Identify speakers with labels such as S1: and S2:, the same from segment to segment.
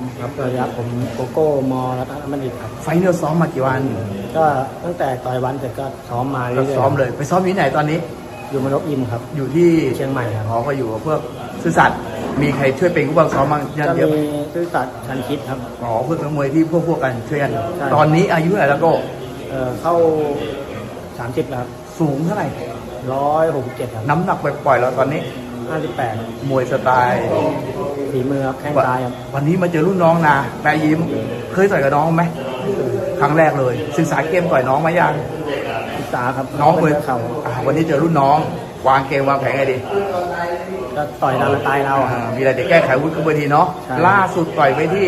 S1: ครับสวัสดีครับผมโกโก้มอรัตนบัณฑิตครับ
S2: ไฟล์เราซ้อมมากี่วัน
S1: ก็ตั้งแต่ต่อยวันเสร็จก็ซ้อมมาเรื่อยๆ
S2: ซ้อมเลยไปซ้อมที่ไหนตอนนี้
S1: อยู่มนกยิมครับ
S2: อยู่ที่
S1: เชียงใหม่ครับ
S2: ก็อยู่กับพวกซื่อสัตย์มีใครช่วยเป็นผู้บังซ้อมบ้าง
S1: ก็มีซื่อสัตย์ชันคิดครับ
S2: เพื่อนมวยที่พวกกันช่วยกันตอนนี้อายุเท่าไหร่แล้วก็
S1: เข้า30แล้วครับ
S2: สูงเท่าไหร่
S1: 167ครับ
S2: น้ำหนักปล่อยๆเราตอนนี้
S1: 58
S2: มวยสไตล์
S1: ฝีมือครับแข้งซ้ายครับ
S2: วันนี้มาเจอรุ่นน้องนะแปรยิ้มเคยต่อยกับน้องไหมครั้งแรกเลยศึกษาเกมต่อยน้องมายัง
S1: ศึกษาครับ
S2: น้องเคยวันนี้เจอรุ่นน้องวางเกมวางแผนไงดี
S1: ก็ต่อยตามสไตล์เรา
S2: มีอะไรจะแก้ไขวุฒิขึ้นเวทีเนาะล่าสุดต่อยไปที่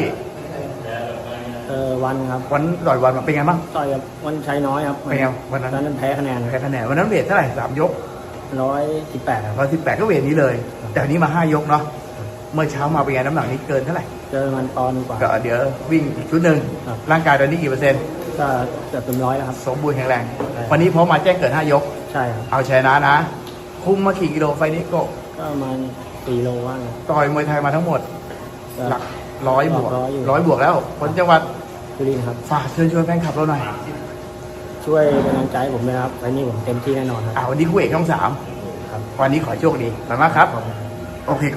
S1: วันครับ
S2: วันต่อยวันเป็นไงบ้าง
S1: ต่อยกับวันชัยน้อยครับ
S2: เป็นไงวันนั้น
S1: แพ้คะแนน
S2: วันนั้นเวทเท่าไหร่3 ยก
S1: 118ครับ
S2: 118ก็เวทนี้เลยแต่อันนี้มา5 ยกเนาะเมื่อเช้ามาเป็นไงน้ำหนักนี้เกินเท่าไหร่
S1: เกินมันปอนด์กว่า
S2: ก็เดี๋ยววิ่งชุดหนึ่งร่างกายตอนนี้กี่เปอร์เซ็นต์
S1: ก็เกือบเต็ม100แล้วครับ
S2: สมบูรณ์แข็งแรงวันนี้พอมาแจ้งเกิด5 ยก
S1: ใช่ครับ
S2: เอาชนะนะคุมมากี่กิโลไฟนี้ก็
S1: ประมาณ4 โลว่าง
S2: ต่อยมวยไทยมาทั้งหมดหลัก100 บวก100 บวกแล้วคนจังหวัด
S1: สุรินทร์ครับ
S2: ฝากเชิญชวนแฟนคลับเราหน่อย
S1: ช่วยเป็นกำลังใจผมนะครับวันนี้ผมเต็มที่แน่นอนครับ
S2: วันนี้คู่เอกช่อง3ครับวันนี้ขอโชคดีขอบคุณมากครับโอเค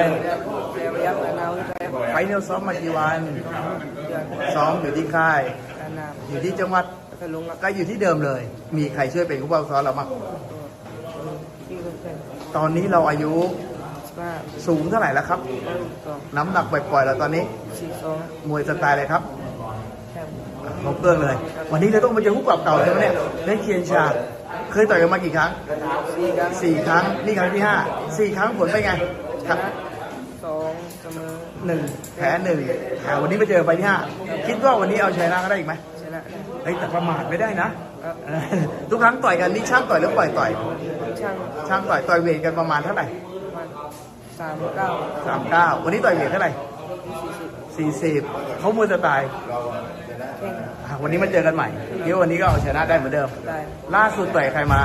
S2: ไฟเนลซ้อมมากี่วันซ้อมอยู่ที่ค่ายอยู่ที่จังหวัดก็อยู่ที่เดิมเลยมีใครช่วยเป็นผู้บังคับซ้อมเราบ้างตอนนี้เราอายุสูงเท่าไหร่แล้วครับน้ำหนักปล่อยๆเราตอนนี้มวยสไตล์อะไรครับครบเครื่องเลยวันนี้เราต้องมาเจอผู้ปรับเก่าใช่ไหมเนี่ยได้เคียนชาเคยต่อยกันมากี่ครั้ง4 ครั้งนี่ครั้งที่4 ครั้งผลเป็นไงครับ
S1: 2เสมอ
S2: 1แพ้1วันนี้มาเจอไฟที่5คิดว่าวันนี้เอาชนะก็ได้อีกไหม
S1: ชนะ
S2: แต่ประมาทไม่ได้นะทุกครั้งต่อยกันนี่ช่างต่อยหรือปล่อยต่อยช่างต่อยเวทกันประมาณเท่าไหร่39วันนี้ต่อยเวทเท่าไหร่40เขามวยสไตล์วันนี้มาเจอกันใหม่คิดว่าวันนี้ก็เอาชนะได้เหมือนเดิมล่าสุดต่อยใครมา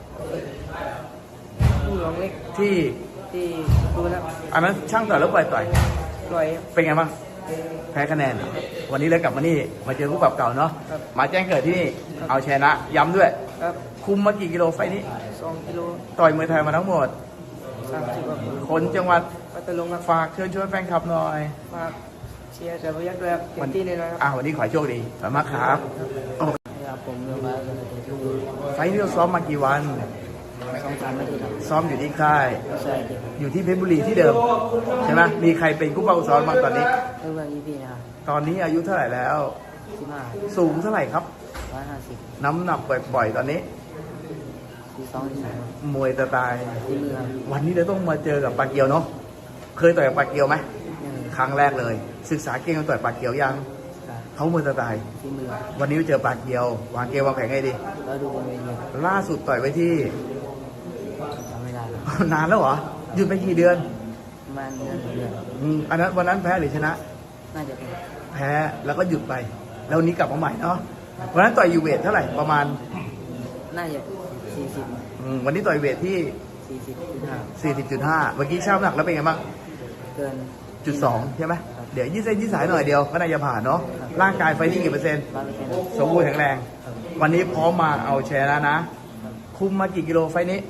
S1: ผู้หลวงเล็ก
S2: ที่
S1: ดูแล้ว
S2: อันนั้นช่างต่อยแล้วปล่อยเป็นไงบ้างแพ้คะแนนวันนี้เลยกลับมานี่มาเจอผู้ปรับเก่าเนาะมาแจ้งเกิดที่นี่เอาชนะย้ำด้วยคุมมากี่กิโลไฟนี้
S1: 2 กิโล
S2: ต่อยมวยไทยมาทั้งหมด
S1: 30
S2: คนจังหวัด
S1: พัทลุง
S2: ฝากเชิญชวนแฟนคลับหน่อย
S1: ฝากเชียร์เสือพยัคฆ์ด้วยเต็มที่เลยนะครับ
S2: วันนี้ขอโชคดีขอบคุณมากครับ
S1: ผมเริ่มมา
S2: ไฟนี้เราซ้อมมากี่วัน
S1: 2-3 นาทีครับ
S2: ซ้อมอยู่ที่ค่ายอยู่ที่เพชรบุรีที่เดิมใช่ไหมมีใครเป็นผู้บังคับซ้อมบ้างตอนนี้ตอนนี้อายุเท่าไหร่แล้ว
S1: 15
S2: สูงเท่าไหร่ครับ
S1: 150
S2: น้ำหนักปล่อยๆตอนนี้มวยสไตล์วันนี้เราต้องมาเจอกับปาเกียวเนาะเคยต่อยกับปาเกียวไหมครั้งแรกเลยศึกษาเก่งกันต่อยปาเกียวยังเขามวยสไตล์วันนี้เจอปาเกียววางเกมวางแผนไงดีล่าสุดต่อยไว้ที่นานแล้วเหรอหยุดไปกี่เดือน
S1: ประมาณเดือน
S2: อันนั้นวันนั้นแพ้หรือชนะ
S1: น่าจะ
S2: แพ้แล้วก็หยุดไปแล้ววันนี้กลับมาใหม่เนาะวันนั้นต่อยยูเวทเท่าไหร่ประมาณ
S1: น่าจะ40
S2: วันนี้ต่อยเวทที่40.5เมื่อกี้ช่างน้ำหนักแล้วเป็นไงบ้าง
S1: เกิน
S2: 1.2ใช่ไหมเดี๋ยวยืดเส้นยืดสายหน่อยเดียวก็น่าจะผ่านเนาะร่างกายไฟนี่กี่เปอร์เซ็นต์สมบูรณ์แข็งแรงวันนี้พร้อมมาเอาชนะนะคุมมากี่กิโลไฟนี้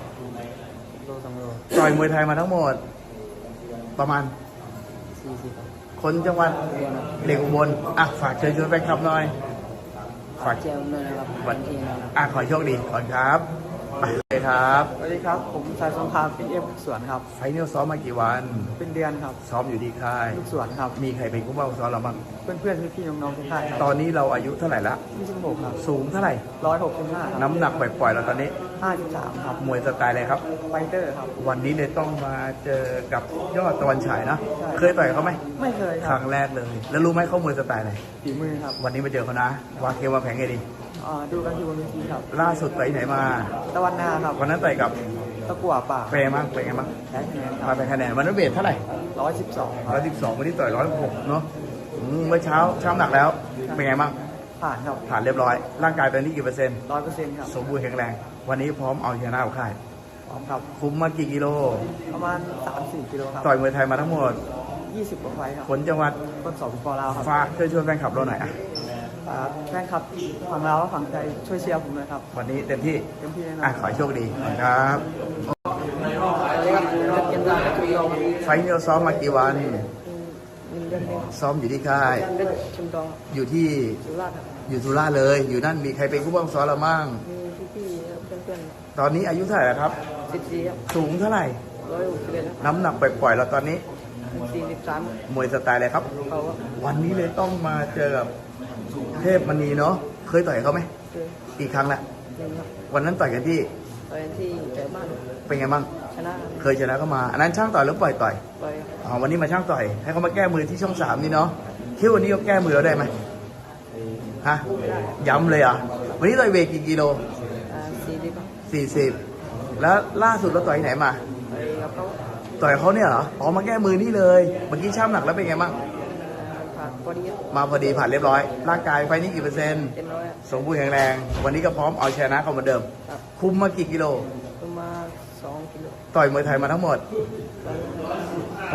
S2: ต่อยมวยไทยมาทั้งหมดประมาณ
S1: 40
S2: คนจังหวัดเด็กอุบลฝากเชิญชวนแฟนคลับหน่อย
S1: ฝากเชียร์ด้วยนะครับวันที่
S2: ขอโชคดีก่อนครับไปเลยครับ
S1: สวัสดีครับผมสายสงครามเป็นเอฟสวนครับ
S2: ไฟนี่ซ้อมมากี่วัน
S1: เป็นเดือนครับ
S2: ซ้อมอยู่ที่ค่าย
S1: ลูกสวนครับ
S2: มีใครเป็นผู้บังคับซ้อมเราบ้าง
S1: เพื่อนๆพี่ๆน้องๆที่ค่าย
S2: ตอนนี้เราอายุเท่าไหร่ละ
S1: 26ครับ
S2: สูงเท่าไหร่
S1: 165
S2: น้ำหนักปล่อยๆเราตอนนี้
S1: 53ครับ
S2: มวยสไตล์อะไรครับ
S1: ไฟเตอร์ครับ
S2: วันนี้เลยต้องมาเจอกับยอดตะวันฉายนะเคยต่อยเขาไหม
S1: ไม่เคย
S2: ครั้งแรกเลยแล้วรู้ไหมเขามวยสไตล์อะไร
S1: ฝีมือครับ
S2: วันนี้มาเจอเขานะวางเกมวางแผนไงดี
S1: ดูกันที่บนเวทีครับ
S2: ล่าสุดไปไหนมา
S1: ตะวันนาครับ
S2: วันนั้นต่อยกับ
S1: ตะกั่วป่า
S2: เปรมั้งเป็นไงบ้างมาเป็นคะแนนวันนั้นเวทเท่าไหร่112วันนี้ต่อย106เนาะเมื่อเช้าช่ำหนักแล้วเป็นไงบ้าง
S1: ผ่านครับ
S2: ผ่านเรียบร้อยร่างกายตอนนี้กี่เปอร์เซ็นต์
S1: 100%ครับ
S2: สมบูรณ์แข็งแรงวันนี้พร้อมเอาชนะเอาค่าย
S1: พร้อมครับ
S2: คุมมากี่กิโล
S1: ประมาณ 3-4 กิโลครับ
S2: ต่อยมวยไทยมาทั้งหมด
S3: 20 กว่าไฟครับ
S2: คนจังหวัด
S3: คนสองปอลาวครับ
S2: ฝากช่วยแฟนคลับเราหน่อยอ่ะ
S3: แฟนคลับฝั่งลาวและฝั่งไทยช่วยเชียร์ผมเลยครับ
S2: วันนี้เต็มที่
S3: เต็มที่แน่นอ
S2: อ่ะ
S3: น
S2: ขอให้โชคดีครับ
S3: สวัสดีครับเกมได้ทุกยอม
S2: ไฟล์นี้เราซ้อมมากี่วัน
S3: 1 เดือนเอง
S2: ซ้อมอยู่ที่ค่าย
S3: เป็นชุมดอง
S2: อยู่ที่
S3: สุราษฎร์ครับ
S2: อยู่สุราษฎร์เลย อยู่นั่นมีใครเป็นผู้บังคับซ้อมเรามั่ง
S3: มีพี่ๆเพื่อน
S2: ตอนนี้อายุเท่าไหร่แล้วครับ
S3: ๆ14ครับ
S2: สูงเท่าไหร่
S3: 161ครับ
S2: น้ำหนักปล่อยๆเราตอนนี้
S3: 43
S2: มวยสไตล์อะไรครับ
S3: เขาก็
S2: วันนี้เลยต้องมาเจอกับเทพมณีเนาะ เคยต่อยเขาไหม
S3: คือ
S2: กี่ครั้งละ
S3: 1ครับ
S2: วันนั้นต่อยกันที่
S3: ตอนที่แต่บ้าน
S2: เป็นไงบ้าง
S3: ชนะ
S2: เคยชนะเขามา อันนั้นช่างต่อยหรือปล่อยต่อย
S3: ไป
S2: อ๋อวันนี้มาช่างต่อย ให้เขามาแก้มือที่ช่อง 3นี่เนาะคิดว่าวันนี้เขาแก้มือเราได้ไหมฮะ ย้ำเลยอ่ะ วันนี้ต่อยเวทกี่กิโล
S3: 40ครับ
S2: 40 แล้วล่าสุดเราต่อยที่ไหนมา
S3: ไปกับเขา
S2: ต่อยเขาเนี่ยเหรอ อ๋อมาแก้มือนี่เลย เมื่อกี้ช่างหนักแล้วเป็นไงบ้าง
S3: ผ่านพอดีครับ
S2: มาพอดีผ่านเรียบร้อย ร่างกายไฟนี้กี่เปอร์เซ็นต์
S3: เต็มร้อยครับ
S2: สมบูรณ์แข็งแรง วันนี้ก็พร้อมเอาชนะเขาเหมือนเดิม
S3: ครับ
S2: คุมมากี่กิโล
S3: ประมาณ2 กิโล
S2: ต่อยมวยไทยมาทั้งหมด คน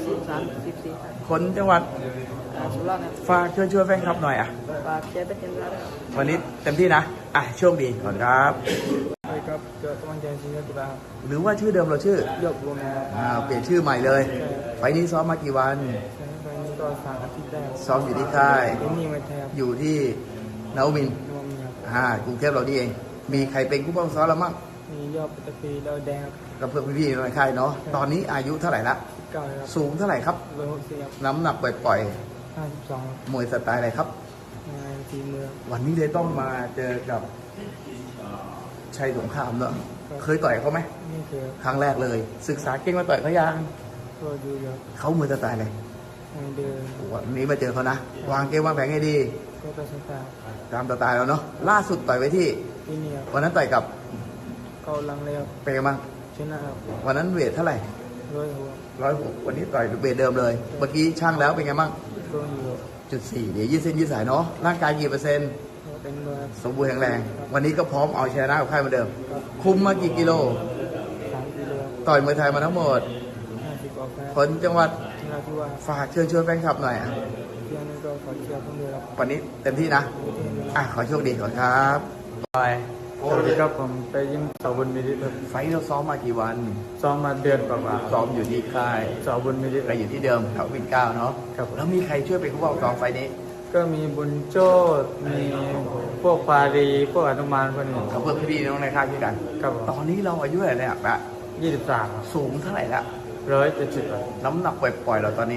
S3: 14ครับ
S2: คนจังหวัด
S3: สุราษฎร์ครับ
S2: ฝากช่วยแฟนคลับหน่อยอ่ะ
S3: ฝากเชียร์เป็นเต็มร้อยครับ
S2: วันนี้เต็มที่นะ อ่ะโชคดีก่อนครับ
S3: ใช่ครับเกิดกำลังใจจริงๆครับ
S2: หรือว่าชื่อเดิมเราชื่อ
S3: ยกรวมนะครับ
S2: เปลี่ยนชื่อใหม่เลย ไฟล์นี้ซ้อมมากี่วัน
S3: ใช่ไฟนี้ก็3 อาทิตย์ได้
S2: ซ้อมอยู่ที่ค่าย
S3: ที่นี่ไม่แทบ
S2: อยู่ที่นวมินทร์
S3: รวมครับ
S2: กรุงเทพเรานี่เอง มีใครเป็นผู้บังคับซ้อมเรามั่ง
S3: มียอดปัตตพีดาวแดงครับ
S2: กับเพื่อนพี่ๆในค่ายเนาะ ตอนนี้อายุเท่าไหร่ละ
S3: 9ครับ
S2: สูงเท่าไหร่ครับ
S3: 160ครับ
S2: น้ำหนักปล่อย
S3: 52
S2: ๆ มวยสไตล์อะไรครับ
S3: งานทีมือ
S2: วันนี้เลยต้องมาเจอกับชัยสงครามเนอะเคยต่อยเขาไหม
S3: นี่คือ
S2: ครั้งแรกเลย ศึกษาเก่งมาต่อยเขายัง
S3: ก็ดูเยอะ
S2: เขามือสไตล์อะไร
S3: ไม่เดิน
S2: วันนี้มาเจอเขานะ วางเกมวางแผนให้ดี
S3: ก็ไปสตาร์
S2: ตามสไตล์เราเนาะ ล่าสุดต่อยไว้ที่
S3: ที่นี่ครับ
S2: วันนั้นต่อยกับ
S3: เขาลังเลยครับ
S2: เป็นไงบ้าง
S3: ชนะครับ
S2: วันนั้นเวทเท่าไหร่
S3: 100 หัว
S2: 106วันนี้ต่อยเวทเดิมเลย เมื่อกี้ช่างแล้วเป็นไงบ้าง
S3: ก็อยู่
S2: 4 เดี๋ยวยืดเส้นยืดสายเนาะ ร่างกายกี่เปอร์เซ็นต์
S3: ก็เป็นเบอร์
S2: สมบูรณ์แข็งแรง วันนี้ก็พร้อมเอาชนะกับค่ายเหมาเดิม คุมมากี่กิโล
S3: 3 กิโล
S2: ต่อยมวยไทยมาทั้งหมด
S3: 50 กว่าแพ้
S2: คนจังหวัด
S3: ชนะที่ว่า
S2: ฝากเชิญชวนแฟนคลับหน่อยอ่ะ
S3: เที่ยงนี้ก็ขอเชียร์ผมด้วยครับ
S2: วันนี้เต็มที่นะ อ่ะ ขอโชคดีก่อนครับไป
S3: สวัสดีครับผมไปยิมเสาบุญมิริครับ
S2: ไฟท์เราซ้อมมากี่วัน
S3: ซ้อมมาเดือนกว่า
S2: ซ้อมอยู่ที่ค่าย
S3: ๆเสาบุญมิริ
S2: ก็อยู่ที่เดิมแถววินเก้าเนาะ
S3: ครับ
S2: แล้วมีใครช่วยเป็นผู้บังคับซ้อมไฟท์นี้
S3: ก็มีบุญโจ้มีพวกปารีพวกอนุมานพวกนี้
S2: กับเพื่อนพี่ๆน้องในค่ายด้วยกัน
S3: ครับ
S2: ตอนนี้เราอายุเท่าไหร่แล้วอะ
S3: 23ครับ
S2: สูงเท่าไหร่แล้ว
S3: 170ครับ
S2: น้ำหนักปล่อยๆเราตอนนี้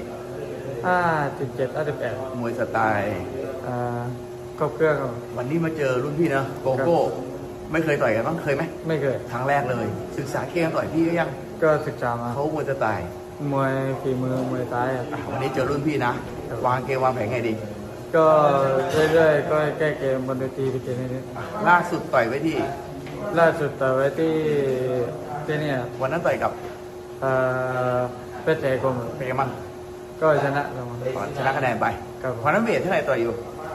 S3: 57 58
S2: มวยสไตล์
S3: ก็เครื่องครับ
S2: วันนี้มาเจอรุ่นพี่นะโกโก้ ไม่เคยต่อยกันบ้างเคยไหม
S3: ไม่เคย
S2: ครั้งแรกเลย ศึกษาเกมต่อยพี่ก็ยัง
S3: ก็ศึกษามา
S2: เขามวยสไตล์
S3: มวยฝีมือมวยซ้ายครับ
S2: อ่ะวันนี้เจอรุ่นพี่นะ วางเกมวางแผนไงดี
S3: ก็เรื่อยๆก็แก้เกมบนเวทีไปเกมนี้
S2: ล่าสุดต่อยไว้ที่
S3: ล่าสุดต่อไว้ที่เนี่ย
S2: วันนั้นต่อยกับ
S3: เพชรเอกม
S2: เป็นไงบ้าง
S3: ก็ชนะลงมา
S2: ชนะคะแนนไป
S3: ครับ
S2: วันนั้นเวทเท่าไหร่ต่อยอยู่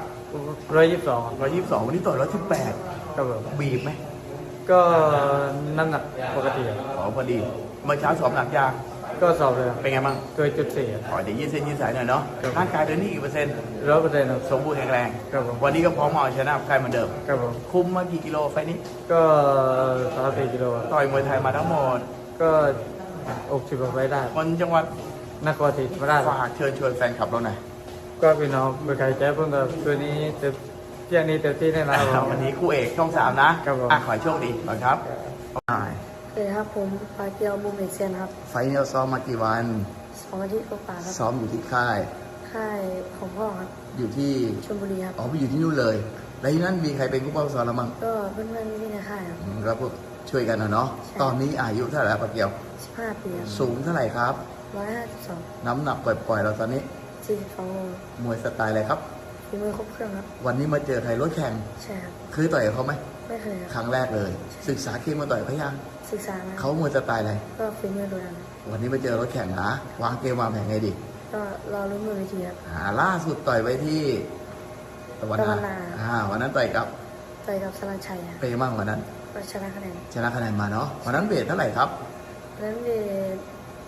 S3: 122
S2: 122วันนี้ต่อย118
S3: ครับผม
S2: บีบไหม
S3: ก็น้ำหนักปกติครับ
S2: อ๋อพอดีเมื่อเช้าสอบหนักยาก
S3: ก็สอบเลย
S2: เป็นไงบ้าง
S3: เกินจุด4
S2: อ๋อเดี๋ยวยืดเส้นยืดสายหน่อยเนาะ
S3: ครับ
S2: ร่างกายเดินนี่กี่เปอร์เซ็นต์
S3: 100%ครับ
S2: สมบูรณ์แข็งแรง
S3: ครับผม
S2: วันนี้ก็พร้อมเอาชนะใครเหมือนเดิม
S3: ครับผม
S2: คุมมากี่กิโลไฟล์นี้
S3: ก็34 กิโลครับ
S2: ต่อยมวยไทยมาทั้งหมด
S3: ก็60 กว่าไปได้
S2: คนจังหวัด
S3: นครศรีธรรมราช
S2: ฝากเชิญชวนแฟนคลับเราหน่อย
S3: ก็พี่น้องเมื่อใครแจ้เพิ่งกับตัวนี้เต็มเที่ยงนี้เต็มที่แน่นอนครับผม
S2: วันนี้คู่เอกช่อง 3 นะครับ
S3: ผม
S2: ขอให้โชคดีก่อนครับ
S4: สวัสดีครับผมปาเกียวบุมเมเซียนครับ
S2: ไฟล์นี้เราซ้อมมากี่วัน
S4: 2 อาทิตย์กว่าๆครับ
S2: ซ้อมอยู่ที่ค่าย
S4: ค่ายของพ่อครับ
S2: อยู่ที่
S4: ชลบุรีครับ
S2: อ๋อไปอยู่ที่นู่นเลย แล้วที่นั่นมีใครเป็นผู้ป้องกันเรามั่ง
S4: ก็เพื่อนๆที่ในค่ายครับ
S2: ก็พวกช่วยกันนะเนาะ
S4: ใช่
S2: ตอนนี้อายุเท่าไหร่แล้วปะเกียว
S4: 15 ปีครับ
S2: สูงเท่าไหร่ครับ
S4: 152
S2: น้ำหนักปล่อยๆเราตอนนี้
S4: 42โล
S2: มวยสไตล์อะไรครับ
S4: ฝีมือครบเครื่องครับ
S2: วันนี้มาเจอใครรถแข่ง
S4: ใช่ครับ
S2: เคยต่อยกับเขาไหม
S4: ไม่เคยค
S2: ครับ รั้งแรกเลย ศึกษาเกมมาต่อยเขายัง
S4: ศึกษามา
S2: เขามวยสไตล์อะไร
S4: ก็ฝีมือดูดัน
S2: วันนี้มาเจอรถแข่งนะ วางเกมวางแผนไงดี
S4: ก็รอลุ้นมือเวทีครับ
S2: ล่าสุดต่อยไว้ที่ตะวัน
S4: ตะวัน
S2: นา
S4: นา
S2: วันนั้นต่อยกับ
S4: ต่อยกับสลันชัยครับ
S2: เปย์มั่งวันนั้น
S4: ก็ชนะคะแนน
S2: ชนะคะแนนมาเนาะ วันนั้นเวทเท่าไหร่ครับ
S4: นั้นเวท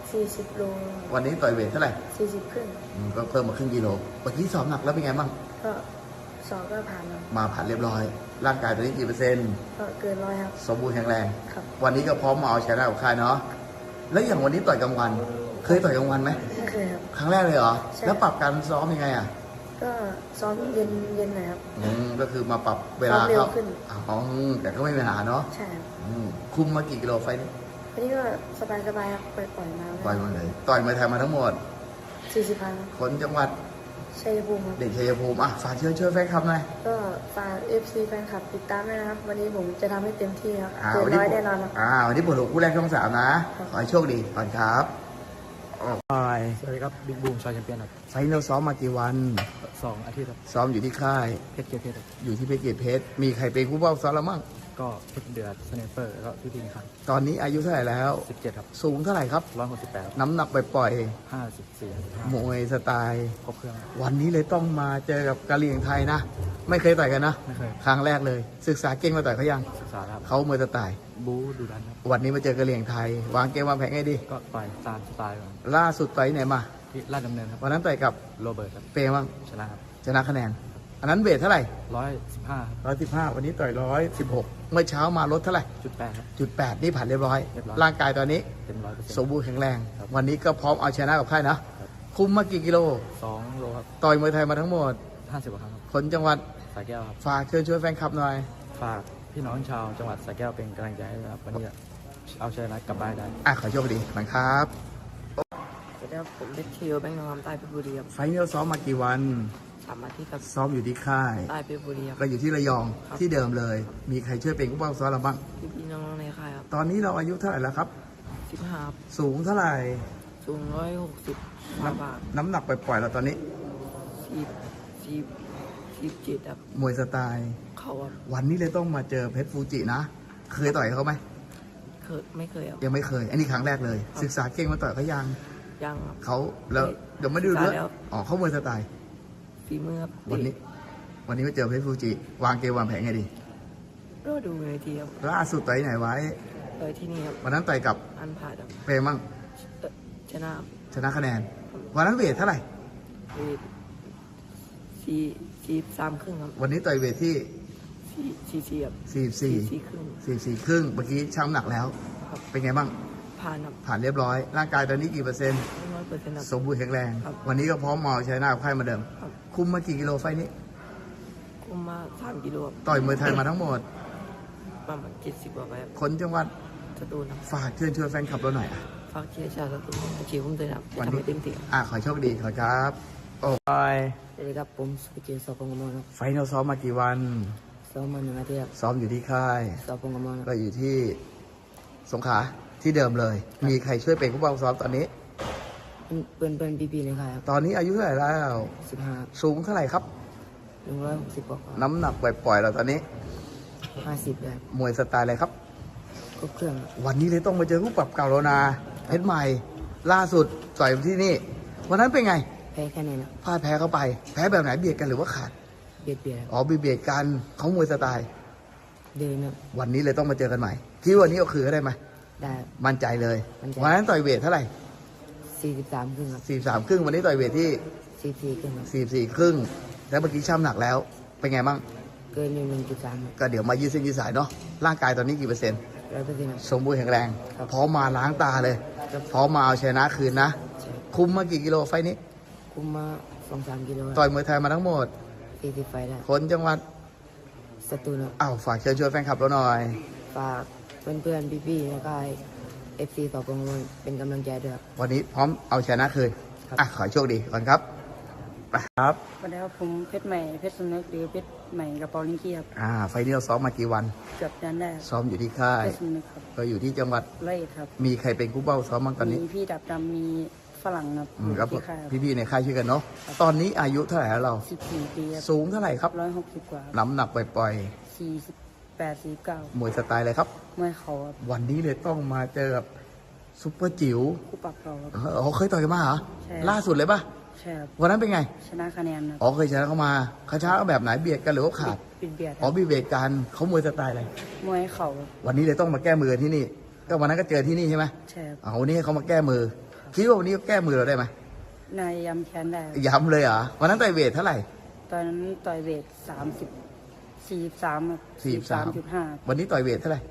S4: 40 โล
S2: วันนี้ต่อยเวทเท่าไหร่
S4: 40 ครึ่ง
S2: ก็เพิ่มมาครึ่งกิโลเมื่อกี้ซ้อมหนักแล้วเป็นไงบ้าง
S4: ก็สอบก็ผ่านครับ
S2: มาผ่านเรียบร้อย ร่างกายตอนนี้กี่เปอร์เซ็นต์
S4: ก็เกิน100ครับ
S2: สมบูรณ์แข็งแรง
S4: ครับ
S2: วันนี้ก็พร้อมมาเอาชนะกับค่ายเนาะ แล้วอย่างวันนี้ต่อยกลางวัน เคยต่อยกลางวันไหม
S4: ไม่เคยครับ
S2: ครั้งแรกเลยเหรอ
S4: ใช่
S2: แล้วปรับการซ้อมยังไงอ่ะ
S4: ก็ซ้อมเย็นหน่อยครับ
S2: ก็คือมาปรับเวลา
S4: ซ้อมเร็ว
S2: เข้า
S4: ขึ้น
S2: อ๋อแต่ก็ไม่มีปัญหาเนาะ
S4: ใช่ครับ
S2: คุมมากี่กิโลไฟล์นี้
S4: วันนี้ก็สบายครับปล่อยมา
S2: ต่อยมาเลย ต่อยมาไทยมาทั้งหมด
S4: 40 ครั้ง
S2: คนจังหวัด
S4: ชัยภูมิครับ
S2: เด็กชัยภูมิอ่ะฝากเชิญช่วยแฟนคลับหน่อย
S4: ก็ฝาก FC แฟนคลับติดตามด้วยนะครับ วันนี้ผมจะทำให้เต็มที่ครับ
S2: อ่า
S4: เกิน
S2: วันนี้
S4: ร้อยแน่นอนครับ
S2: วันนี้ปวดหัวคู่แรกช่อง 3 นะ ขอให้โชคดีก่อนครับไป
S1: สวัสดีครับบิ๊กบูมชายแชมเปี้ยนครับ
S2: ไฟล์เราซ้อมมากี่วัน
S1: 2 อาทิตย์ครับ
S2: ซ้อมอยู่ที่ค่าย
S1: เพชรเกียรติเพชรครับ
S2: อยู่ที่เพชรเกยรตเพชร มีใครเป็นคู่เป้าซ้อมแล้วมั่ง
S1: ก็เพชรเดือดสเนเปอร์แล้วก็พี่พิงครับ
S2: ตอนนี้อายุเท่าไหร่แล้ว
S1: 17 ครับ
S2: สูงเท่าไหร่ครับ
S1: 168ครับ
S2: น้ำหนักปล่อย
S1: 54
S2: ๆมวยสไตล์
S1: ครบเครื่องครับ
S2: วันนี้เลยต้องมาเจอกับกะเหรี่ยงไทยนะ ไม่เคยต่อยกันนะ
S1: ไม่เคย
S2: ครั้งแรกเลย ศึกษาเก่งมาต่อยเขายัง
S1: ศึกษาครับ
S2: เขามวยสไตล์
S1: บู๊ดูดันครับ
S2: วันนี้มาเจอกะเหรี่ยงไทย วางเกมวางแผนให้ดี
S1: ก็ต่อยตามสไตล์ก่อน
S2: ล่าสุดต่อยไหนมา
S1: ที่ราชดำเนินครับ
S2: วันนั้นต่อยกับ
S1: โรเบิร์ตครับ
S2: เปย์บ้าง
S1: ชนะครับ
S2: ชนะคะแนน อันนั้นเวทเท่าไหร่
S1: 115
S2: 115 วันนี้ต่อย116 เมื่อเช้ามาลดเท่าไหร่
S1: 8ครับ
S2: 8นี่ผ่านเรียบร้อย
S1: เรียบร้อย
S2: ร่างกายตอนนี้
S1: เต็ม 100%
S2: สมบูรณ์แข็งแรง
S1: ครับ
S2: วันนี้ก็พร้อมเอาชนะกับค่ายนะ
S1: ครับ
S2: คุมมากี่กิโล
S1: 2 โลครับ
S2: ต่อยมวยไทยมาทั้งหมด
S1: 50 กว่าครั้งครับ
S2: คนจังหวัด
S1: สายแก้วครับ
S2: ฝากเชิญช่วยแฟนคลับหน่อย
S1: ฝากพี่น้องชาวจังหวัดสระแก้วเป็นกำลังใจให้นะครับวันนี้จะเอาชัยชนะกลับบ้านได้
S2: ขอโชคดีขอบคุณครับ
S5: สวัสดีครับผมเพชรเชียวแบงค์นองคำใต้เพชรบุรีครับ
S2: ไฟล์นี้เราซ้อมมากี่วัน
S5: 3 อาทิตย์ครับ
S2: ซ้อมอยู่ที่ค่าย
S5: ใต้เพชรบุรีครับ
S2: ก็อยู่ที่ระยอง
S5: ครับ
S2: ที่เดิมเลย มีใครช่วยเป็นผู้ป้องซ้อมเราบ้าง
S5: พี่ๆน้องๆในค่ายครับ
S2: ตอนนี้เราอายุเท่าไหร่แล้วครับ
S5: 15ครับ
S2: สูงเท่าไหร่
S5: สูง160
S2: น้
S5: บาท
S2: น้ำหนักปล่อยๆเราตอนนี้
S5: 47ครับ
S2: มวยสไตล์
S5: เขาครับ
S2: วันนี้เลยต้องมาเจอเพชรฟูจินะ เคยต่อยเขาไหม
S5: ไม่เคยครับ
S2: ยังไม่เคย อันนี้ครั้งแรกเลย ศึกษาเก่งมาต่อยเขายัง
S5: ยังครับ
S2: เขาแล้วเดี๋ยวไม่ดู
S5: ศึกษา
S2: ด้วย
S5: แล้ว
S2: อ๋อเขามวยสไตล์
S5: ฝีมือครับ
S2: วันนี้ วันนี้มาเจอเพชรฟูจิ วางเกมวางแผนไงดี
S5: ก็ดูในทีครับ
S2: ล่าสุดต่อยไหนไว้
S5: เลยที่นี่ครับ
S2: วันนั้นต่อยกับ
S5: อันผ่าดครับ
S2: เปรมั่ง
S5: ชนะครับ
S2: ชนะคะแนน วันนั้นเวทเท่าไหร่
S5: เวท43 ครึ่งครับ
S2: วันนี้ต่อยเวทที่
S5: 44ครับ
S2: 44
S5: 44 ครึ่ง
S2: 44 ครึ่ง เมื่อกี้ช่างน้ำหนักแล้ว
S5: ครับ
S2: เป็นไงบ้าง
S5: ผ่านครับ
S2: ผ่านเรียบร้อย ร่างกายตอนนี้กี่เปอร์เซ็นต์
S5: 100%ครับ
S2: สมบูรณ์แข็งแรง
S5: ครับ
S2: วันนี้ก็พร้อมมาเอาชนะกับค่ายเหมาเดิม
S5: ครับ
S2: คุมมากี่กิโลไฟล์นี้
S5: คุมมา3 กิโลครับ
S2: ต่อยมวยไทยมาทั้งหมด
S5: ประมาณ70 กว่าไปครับ
S2: คนจังหวัด
S5: สตูลครับ
S2: ฝากเชิญชวนแฟนคลับเราหน่อย
S5: ฝากเชียร์ชาวสตูลเชียร์ผมด้วยนะครับจะ
S2: วัน
S5: ทำ
S2: นี้
S5: ให้เต็มที่ครับ
S2: ขอโชคดีขอครับ โอ้ย
S5: สวัสดีครับผมสุกิเจสอบพงกมลครับ
S2: ไฟล์เราซ้อมมากี่วัน
S5: ซ้อมมา1 อาทิตย์ครับ
S2: ซ้อมอยู่ที่ค่าย
S5: สอบพงกมลค
S2: ก็
S5: รับ
S2: อยู่ที่สงขลาที่เดิมเลย มีใครช่วยเป็นผู้บังซ้อมตอนนี้
S5: เพื่อนพี่ๆในค่ายครับ
S2: ตอนนี้อายุเท่าไหร่แล้ว
S5: 15
S2: สูงเท่าไหร่ครับ
S5: 160 กว่า
S2: น้ำหนักปล่อยๆเราตอนนี้
S5: 50ได้ครับ
S2: มวยสไตล์อะไรครับ
S5: ครบเครื่องครับ
S2: วันนี้เลยต้องมาเจอผู้ปรับเก่าแล้วนะเพชรใหม่ ล่าสุดต่อยที่นี่ วันนั้นเป็นไง
S5: แพ้แค่นี้นะ
S2: พลาดแพ้เข้าไป แพ้แบบไหนเบียดกันหรือว่าขาด
S5: เบียดครับ
S2: อ๋อเบียดกันเขามวยสไตล์
S5: เดินครับ
S2: วันนี้เลยต้องมาเจอกันใหม่คิดว่าวันนี้เอาคืนได้ไหม
S5: ได้ครับ
S2: มั่นใจเลย
S5: มั่นใจ
S2: วันนั้นต่อยเวทเท่าไหร่
S5: 43 ครึ่งครับ
S2: 43 ครึ่ง วันนี้ต่อยเวทที่
S5: 44 ครึ่งครับ
S2: 44 ครึ่ง แล้วเมื่อกี้ช่ำหนักแล้ว เป็นไงบ้าง
S5: เกินอยู่1.3ครับ
S2: ก็เดี๋ยวมายืดเส้นยืดสายเนาะ ร่างกายตอนนี้กี่เปอร์เซ็นต์
S5: 100%ครับ
S2: สมบูรณ์แข็งแรง
S5: ครับ
S2: พร้อมมาล้างตาเลย
S5: ครับ
S2: พร้อมมาเอาชนะคืนนะ
S5: ใช่
S2: คุมมากี่กิโลไฟล์นี้
S5: คุมมา 2-3 กิโลค
S2: ต่
S5: รับ
S2: อยมวยไทยมาทั้งหมด
S5: 40 ไฟได้
S2: คนจังหวัด
S5: สตูลครับ
S2: ฝากเชิญชวนแฟนคลับเราหน่อย
S5: ฝากเพื่อนๆพี่ๆในค่าย FC สอบพงกมลเป็นกำลังใจด้วยครับ
S2: วันนี้พร้อมเอาชนะคืน
S5: ครับ
S2: ขอให้โชคดีก่อนครับไปครับ
S6: สวัสดีครับผมเพชรใหม่เพชรสำนึกหรือเพชรใหม่กระเป๋าลิงกี้ครับ
S2: ไฟล์นี้เราซ้อมมากี่วัน
S6: เกือบยันได้ครับ
S2: ซ้อมอยู่ที่ค่าย
S6: เพชรสำนึกครับ
S2: ก็อยู่ที่จังหวัด
S6: ร้อยเอ็ดครับ
S2: มีใครเป็นคู่เป้าซ้อมบ้างตอนนี้
S6: มีพี่ดับดำมีฝรั่งครับ
S2: ครับ
S6: ที่ค่ายครับ
S2: พี่ๆในค่ายช่วยกันเนาะ ตอนนี้อายุเท่าไหร่แล้วเรา
S6: 14 ปีครับ
S2: สูงเท่าไหร่ครับ
S6: 160 กว่า
S2: น้ำหนักปล่อย
S6: 48 49
S2: ๆมวยสไตล์อะไรครับ
S6: มวยเขาครับ
S2: วันนี้เลยต้องมาเจอกับซุปเปอร์จิ๋ว
S6: คู่ปรับเราครับ
S2: เขาเคยต่อยกันมาเหรอ
S6: ใช่
S2: ล่าสุดเลยปะ
S6: ใช่ครับ
S2: วันนั้นเป็นไง
S6: ชนะคะแนนครับ
S2: เคยชนะเขามาเขาชนะเขาแบบไหนเบียดกันหรือว่าขาด
S6: ปิดเบียดค
S2: อ๋อ
S6: รับ
S2: บีเบียดกันเขามวยสไตล์อะไร
S6: มวยเขาครับ
S2: วันนี้เลยต้องมาแก้มือที่นี่ ก็วันนั้นก็เจอที่นี่ใช่ไหม
S6: ใช่ครับ
S2: วันนี้ให้เขามาแก้มือคิดว่าวันนี้แก้มือเราได้ไหม
S6: นายยำแขนได้ครับ
S2: ย้ำเลยเหรอวันนั้นต่อยเวทเท่าไหร่
S6: ตอนนั้นต่อยเวท43ครับ43.5
S2: วันนี้ต่อยเวทเท่าไหร่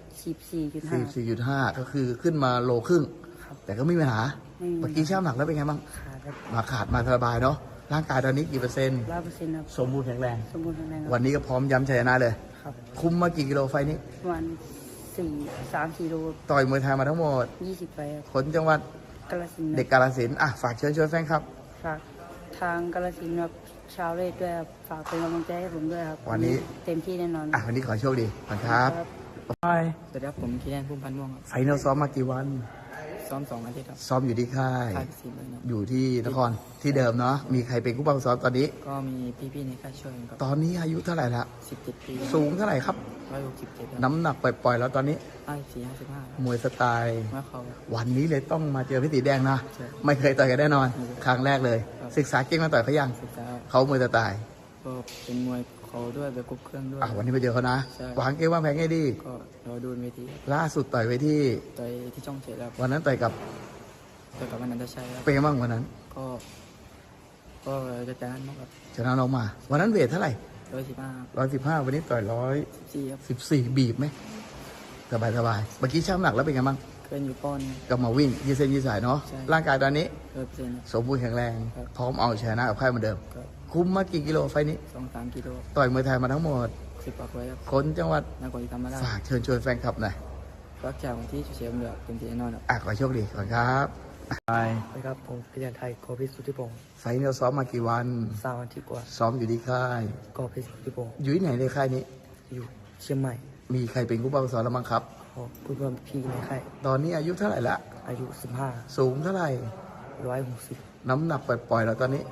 S6: 44.5
S2: 44.5 ก็คือขึ้นมาโลครึ่ง
S6: ครับ
S2: แต่ก็ไม่มีปัญหา
S6: ไม่มี
S2: เมื่อกี้ช่างน้ำหนักแล้วเป็นไงบ้าง
S6: ขาดครับ
S2: มาขาดมาสบายเนาะร่างกายตอนนี้กี่เปอร์เซ็นต์
S6: 100%ครับ
S2: สมบูรณ์แข็งแรง
S6: สมบูรณ์แข็งแรงค
S2: วั
S6: รับ
S2: นนี้ก็พร้อมย้ำชัยชนะเลย
S6: ครับ
S2: คุมมากี่กิโลไฟล์นี้
S6: ประมาณ3-4 โล
S2: ต่อยมวยไทยมาทั้งหมด
S6: 20 ไปครับ
S2: คนจังหวัด
S6: กาฬสินธุ์
S2: เด็กกาฬสินธุ์อ่ะฝากเชิญชวนแฟนครับ
S6: ฝากทางกาฬสินธุ์ครับชาวเลดด้วยครับฝากเป็นกำลังใจให้ผมด้วยครับ
S2: วันนี้
S6: เต็มที่แน่นอน
S2: อ่ะวันนี้ขอโชคดีขอบคุณครับ
S6: ครับ
S2: ไป
S1: สวัสดีครับผมคีแดนพุ่มพันธ์ม่วงครับ
S2: ไฟนอลซ้อมมากี่วัน
S1: ซ้อม2 อาทิตย์ครับ
S2: ซ้อมอยู่ที่ค่าย
S1: ค่ายพิสิทธิ์เลยครับ
S2: อยู่ที่นครที่เดิมเนาะมีใครเป็นผู้บังคับซ้อมตอนนี้
S1: ก็มีพี่ๆในค่ายช่วยกันครับ
S2: ตอนนี้อายุเท่าไหร่ละ
S1: 17 ปี
S2: สูงเท่าไหร่ครับ
S1: 167ครับ
S2: น้ำหนักปล่อยๆแล้วตอนนี้
S1: 54-55
S2: มวยสไตล์
S1: มาเขา
S2: วันนี้เลยต้องมาเจอพี่ตีแดงนะ
S1: ใช่
S2: ไม่เคยต่อยกันแน่นอน
S1: ไม่เคย
S2: ครั้งแรกเลย
S1: ครับ
S2: ศึกษาเก่งมาต่อยเขายัง
S1: ศึกษา
S2: เขามวยสไตล์
S1: ก็เป็นมวยเขาด้วยแบบครบเครื่องด้วย
S2: วันนี้ไปเจอเขานะ
S1: ใช่
S2: วางเกมวางแผนให้ดี
S1: ก็รอดูบนเวทีครับ
S2: ล่าสุดต่อยไว้ที่
S1: ต่อยที่ช่องเจ็ดครับ
S2: วันนั้นต่อยกับ
S1: ต่อยกับอนันตชัยครับ
S2: เป็นไงบ้างวันนั้น
S1: ก็จะจานมากครับ
S2: ชนะน้องมา วันนั้นเวทเท่าไหร่
S1: 115
S2: 115 วันนี้ต่อย
S1: 4ครับ
S2: 114 บีบไหมสบายสบายเมื่อกี้ช่างน้ำหนักแล้วเป็นไงบ้าง
S1: เกินอยู่ป้อน
S2: ก็มาวิ่งยืดเส้นยืดสายเนาะ
S1: ใช่
S2: ร่างกายตอนนี้
S1: 100%ครับ
S2: สมบูรณ์แข็งแรง
S1: ครับ
S2: พร้อมเอาชนะกับค่ายเหมือนเดิม
S1: ก็
S2: คุ้มมากี่กิโลไฟล์นี้
S1: 2-3 กิโล
S2: ต่อยมวยไทยมาทั้งหมด
S1: 10 ปากไว้ครับ
S2: คนจังหวัด
S1: นครศรีธรรมราช
S2: ฝากเชิญชวนแฟนคลับหน่อย
S1: รักจากวันที่เชียร์เมืองเป็นที่แน่นอนครับ
S2: ขอโชคดีก่อนครับไป
S5: สวัสดีครับผมพิจันไทยโกพิสุทธิพงศ์
S2: ไฟล์นี้เราซ้อมมากี่วัน
S5: 3 อาทิตย์กว่า
S2: ซ้อมอยู่ที่ค่าย
S5: โกพิสุทธิพงศ์
S2: อยู่ที่ไหนในค่ายนี้
S5: อยู่เชียงใหม่
S2: มีใครเป็นผู้บังคับสอนแล้วมั้งครับ
S5: ขอเพื่อนพี่ในค่าย
S2: ตอนนี้อายุเท่าไหร่ละ
S5: อายุ
S2: สูงเท่าไหร่
S5: 15 160
S2: น้ำหนักปล่อยๆแล้วตอนนี้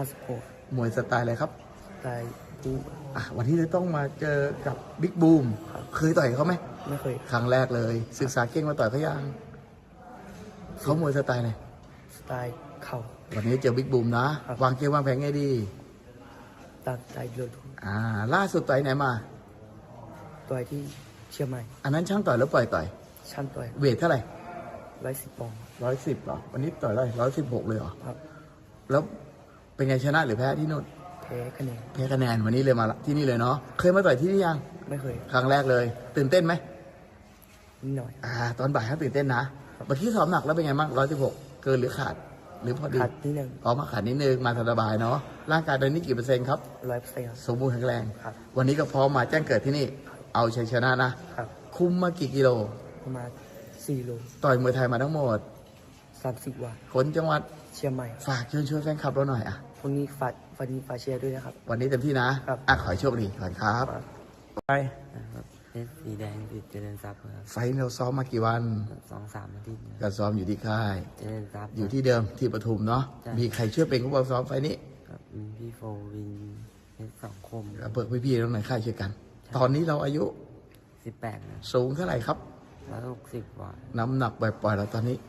S5: 56
S2: มวยสไตล์อะไรครับ
S5: ตายดู
S2: วันนี้เลยต้องมาเจอกับบิ๊กบูม เคยต่อยเขาไหม
S5: ไม่เคย
S2: ครั้งแรกเลย ศึกษาเก่งมาต่อยเขายังเขามวยสไตล์ไหน
S5: สไตล์เข่า
S2: วันนี้เจอบิ๊กบูมนะ
S5: ครับ
S2: วางเกมวางแผนไงดี
S5: ตัดใจเลือด
S2: ล่าสุดต่อยไหนมา
S5: ต่อยที่เชียงใหม่
S2: อันนั้นช่างต่อยแล้วปล่อยต่อย
S5: ชั้นต่อย
S2: เวทเท่าไหร่
S5: 110 ปอนด์
S2: 110เหรอ วันนี้ต่อยได้116เลยเหรอ
S5: ครับ
S2: แล้วเป็นไงชนะหรือแพ้ที่นู่น
S5: แพ้คะแนน
S2: แพ้คะแนนวันนี้เลยมาที่นี่เลยเนาะ เคยมาต่อยที่นี่ยัง
S5: ไม่เคย
S2: ครั้งแรกเลย ตื่นเต้นไหม
S5: นิดหน่อย
S2: ตอนบ่ายเขาตื่นเต้นนะ เมื่อกี้ซ้อมหนักแล้วเป็นไงบ้าง116 เกินหรือขาด หรือพอดี
S5: ขาดนิดหนึ่ง
S2: มาขาดนิดนึง มาสบายๆเนาะ ร่างกายตอนนี้กี่เปอร์เซ็นต์ครับ
S5: 100%ครับ
S2: สมบูรณ์แข็งแรง
S5: ครับ
S2: วันนี้ก็พร้อมมาแจ้งเกิดที่นี่ เอาชัยชนะนะ
S5: ครับ
S2: คุมมากี่กิโล
S5: ประมาณ4 โล
S2: ต่อยมวยไทยมาทั้งหมด
S5: 30 วัน
S2: คนจังหวัด
S5: เชียงใหม่
S2: ฝากเชิญชวนแฟนคลับเราหน่อย
S5: วันนี้ฝากเชียร์ด้วยนะครับ
S2: วันนี้เต็มที่นะครับ ขอให้โชคดีก่อนครับ ไป
S5: นะครับเพชรสีแดงติดเจริญทรัพย์ครับ
S2: ไฟท์เราซ้อมมากี่วัน
S5: 2-3 อาทิตย์
S2: ก็ซ้อมอยู่ที่ค่าย
S5: เจริญทรัพย์
S2: อยู่ที่เดิมที่ปทุมเนาะ
S5: ใช่
S2: มีใครช่วยเป็นผู้บังคับซ้อมไฟท์นี้
S5: ครับมีพี่โฟวินเพชรสองคม
S2: เบิกพี่ๆแล้วหน่อยค่ายช่วยกัน ตอนนี้เราอายุ
S5: 18นะ
S2: สูงเท่าไหร่ครับ
S5: 160 กว่า
S2: น้ำหนักปล่อยๆเราตอนนี้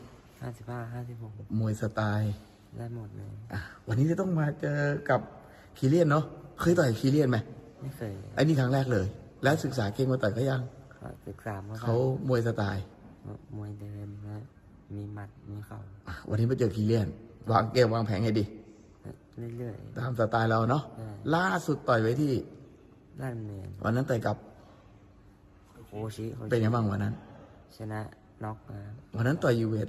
S5: 55
S2: มวยสไตล์
S5: 56 ได้หมดเลย
S2: วันนี้จะต้องมาเจอกับพีเลียนเนาะ เคยต่อยพีเลียนไหม
S5: ไม่เคย
S2: ไอ้นี่ครั้งแรกเลย แล้วศึกษาเก่งมาต่อยเขายัง
S5: ศึกษามา
S2: เขามวยสไตล์
S5: มวยเดินและมีหมัด มีเข่า
S2: วันนี้มาเจอพีเลียน วางเกมวางแผนให้ดี
S5: เรื่อย
S2: ตามสไตล์เราเนาะ
S5: ใช่
S2: ล่าสุดต่อยไว้ที่
S5: ๆด้านเนียน
S2: วันนั้นต่อยกับ
S5: โคชิ
S2: เป็นไงบ้างวันนั้น
S5: ชนะน็อกนะครับ
S2: วันนั้นต่อยยูเวท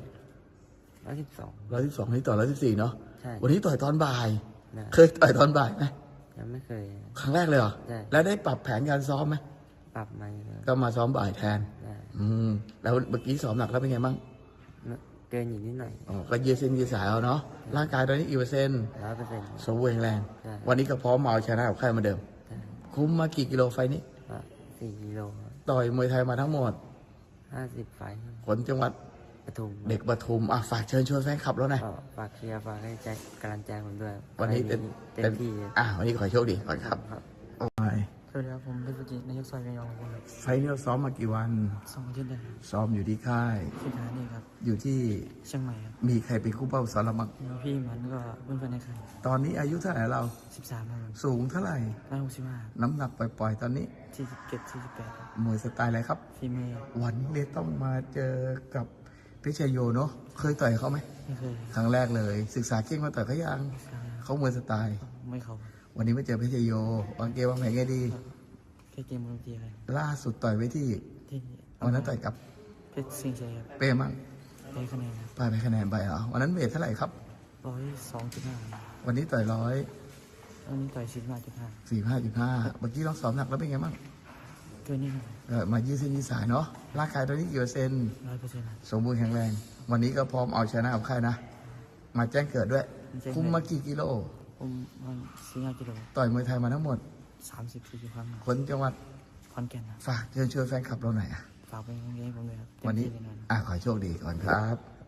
S5: 112
S2: 112นี่ต่อย114เนาะ
S5: ใช่
S2: วันนี้ต่อยตอนบ่าย
S5: นะ
S2: เคยต่อยตอนบ่ายไหม
S5: ยังไม่เคย
S2: ครั้งแรกเลยเหรอ
S5: ใช่
S2: แล้วได้ปรับแผนการซ้อมไหม
S5: ปรับมาอยู่แล้ว
S2: ก็มาซ้อมบ่ายแทน
S5: ได้
S2: แล้วเมื่อกี้ซ้อมหนักแล้วเป็นไงบ้าง
S5: เกินอยู่นิดหน่อย
S2: ก็ยืดเส้นยืดสายเอาเนาะ ร่างกายตอนนี้กี่เปอร์เซ็นต์
S5: 100%
S2: สมบูรณ์แข็งแรง
S5: ใช่
S2: วันนี้ก็พร้อมมาเอาชนะกับค่ายเหมาเดิม
S5: ได้
S2: คุ้มมากี่กิโลไฟล์นี้
S5: ก็4 กิโลครับ
S2: ต่อยมวยไทยมาทั้งหมด
S5: 50 ไฟล์
S2: ผลจังหวัด
S5: ปทุม
S2: เด็กปทุมฝากเชิญชวนแฟนคลับแล้วหน่อย
S5: ก็ฝากเชียร์ฝากให้ใจกำลังใจผมด้วย
S2: วันนี้เต็ม
S5: เต็มที่
S2: วันนี้ขอให้โชคดีก่อนครับ
S5: ครับ
S1: สวัสดีครับผมเพชรสุจิตนายกซอยเมียงของผมครับ
S2: ไฟล์นี้เราซ้อมมากี่วัน
S1: 2 อาทิตย์ได้ครับ
S2: ซ้อมอยู่ที่ค่าย
S1: ที่ฐานนี่ครับ
S2: อยู่ที่
S1: เชียงใหม่ครับ
S2: มีใครเป็นคู่เป้าสอนเราบ้าง
S1: มีพี่มันก็เพื่อนๆในค่าย
S2: ตอนนี้อายุเท่าไหร่เรา
S1: 13ครับ
S2: สูงเท่าไหร่
S1: 165
S2: น้ำหนักปล่อยๆ ตอนนี้
S1: 47 48ครับ
S2: มวยสไตล์อะไรครับ
S1: ฟีเมย์
S2: วันนี้เลยต้องมาเจอกับเพชรชัยโยเนาะเคยต่อยเขาไหม
S1: ไม่เคย
S2: ครั้งแรกเลย ศึกษาเก่งมาต่อยเขายังเขามวยสไตล์
S1: ไม่เขา
S2: วันนี้มาเจอเพชรชัยโยวางเกมวางแผนไงดี
S1: แค่เกมบางทีอะไร
S2: ล่าสุดต่อยไว้ที่
S1: ที่
S2: วันนั้นต่อยกับ
S1: เพชรสิงห์ชัยครับ
S2: เป้มั่ง
S1: ได้คะแนน
S2: ไปไปคะแนนไปเหรอวันนั้นเวทเท่าไหร่ครับ
S1: 102.5
S2: วันนี้ต่อย
S1: วันนี้ต่อย15.5
S2: 145.5เมื่อกี้ลองสอบหนักแล้วเป็นไงบ้าง
S1: เกินนี่
S2: มายืดเส้นยืดสายเนาะร่างกายตอนนี้กี่เปอร์เซ็นต์
S1: 100%
S2: สมบูรณ์แข็งแรง วันนี้ก็พร้อมเอาชนะกับค่ายนะ มาแจ้งเกิดด้วย คุมมากี่กิโล
S1: ผมมัน4-5 กิโล
S2: ต่อยมวยไทยมาทั้งหมด
S1: 30-40 ครั้ง
S2: คนจังหวัด
S1: ขอนแก่นครับ
S2: ฝากเชิญชวนแฟนคลับเราหน่อยอะ
S1: ฝากเป็นกำลังใจให้ผมด้วยครับ
S2: วันนี้
S1: เต็มที่แน่นอน
S2: ขอให้โชคดีก่อนครับ